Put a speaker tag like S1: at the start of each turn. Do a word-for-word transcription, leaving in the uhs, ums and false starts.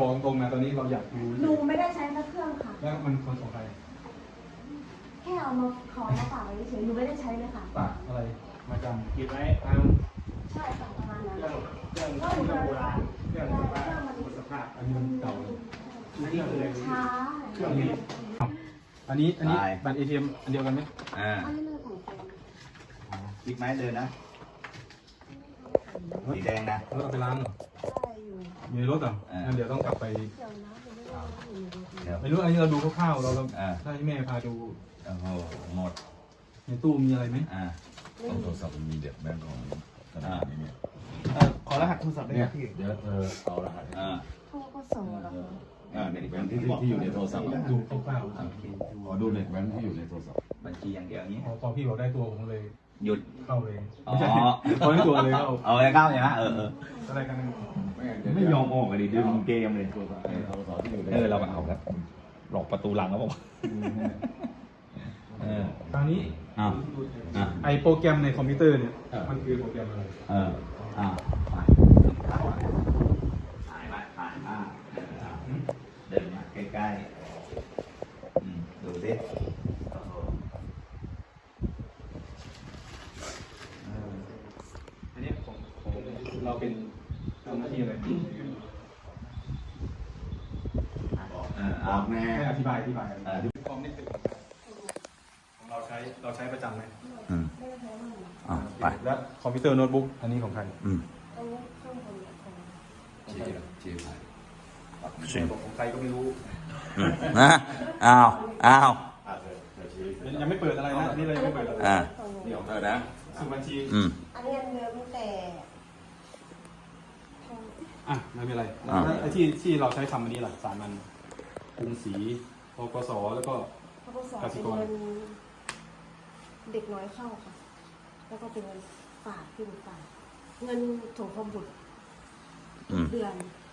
S1: บอกตรงๆนะตอนนี้เราอยากรู้
S2: หนูไม่ได้ใช้พระเครื่องค่ะ
S1: แล้วมันคนของใคร
S2: แค่เอามาขอมาฝากไว้เฉยหนูไม่ได้ใช้เลยค่ะ
S1: ฝากอะไรมาจำ
S3: หยิบไว้ตาม
S2: ใช่ค่ะประมาณนั้น
S3: เครื่องเครื่องเครื่องโบราณเครื่องแบบว่าหมดสภาพ
S1: อันนี้มันเก่า
S3: อันนี้คือ
S2: ช้า
S3: เครื่องนี้
S1: อันนี้อันนี้บัตรเอทีเอ็มอันเดียวกันไหม
S4: อ่า
S2: อันนี้เลยของแฟน
S4: พลิกไม้เดินนะสีแดงนะ
S1: รถเอาไปล้างเหรอ
S2: ใช่อยู่
S1: อยู่ในรถเหรองั้นเดี๋ยวต้องกลับไป
S2: เดี๋ยวนะหนูไม่รู้ว่าอยู่ในรถ
S4: เดี๋ยว
S1: ไม่รู้อันนี้เราดูคร่าวๆเราเรา
S4: อ่า
S1: ถ้าให้แม่พาดู
S4: โอ้โหหมด
S1: ในตู้มีอะไรไหม
S4: อ่า
S5: ต้องโทรศัพท์มันมีเด็กแบงก์ของธนาคารนี้เนี่ย
S3: ขอรหัสโทรศัพท์ได้ไหมพี่
S5: เดี๋ยวเธอเอารหัส
S4: อ่า
S2: โทรก็ส่งแล้ว
S5: อ่าเด็กแบงก์ที่ที่ที่อยู่ในโทรศัพท์อะ
S1: ดูคร่าว
S5: ขอดูเด็กแบงก์ที่อยู่ในโทรศัพท์
S4: บัญชีอย่างเดียวนี้
S1: ๆอ๋อพอพี่บอกได้ตัวผมเลย
S4: หยุด
S1: เข้าเลย
S4: อ๋อ
S1: ไม่ใช่พอได้ตัวเลยเข้า
S4: เอาไว้เข้าใช่ไหมเออเออ
S1: อะไรกัน
S4: ไม่ยอมออกกันดิดึงเกมเลย
S5: โทรศัพท์โทรศัพท์ที่อยู่ใน
S4: เออเรามาเอาครับหลอกประตูหลังครับผมเออ
S1: คราวนี้
S4: อ้าวอ่ะ
S1: ไอโปรแกรมในคอมพิวเตอร์เนี่ยมันคือโปรแกรมอะไร
S4: เอออ่าไปถ่ายไปถ่ายมาเดินมาใกล้ๆอืมดูสิโอ้โห
S1: อันนี้ของของเราเป็นทำหน้าที่อะไร
S4: เออเอาแน่
S1: ให้อธิบายอธิบาย
S4: เออ
S1: คอมนี่เป็นของเราใช้เราใช้ประจำไหม
S4: อืมอ่าไป
S1: แล้วคอมพิวเตอร์โน้ตบุ๊กอันนี้ของใคร
S4: อืม
S2: อันนี้เครื่องบนของ
S5: เชียร์เชียร์ไทย
S1: บอกของใครก็ไม่รู้
S4: อืมนะอ้าวอ้าว
S5: อ่าเธอเธอชี้
S1: ยังไม่เปิดอะไรนะอันนี้เลยงไม่เปิดอะไร
S4: อ่า
S2: ของหนู
S5: นี่ของเธอนะ
S1: สมุดบัญชี
S4: อืม
S2: อันนี้อันเดิมแต่
S1: อ่ะไม่เป็นไร
S4: อ่า
S1: แล้วไอ้ที่ที่เราใช้ทำอันนี้ล่ะสามอันกรุงศรีปกสแล้วก็
S2: พกสเป็นเงินเด็กน้อยเข้าค่ะ แล้วก็เป็นเงินฝากที่หนูฝากเงินถงคอมบุตร
S4: อืม
S2: เดือน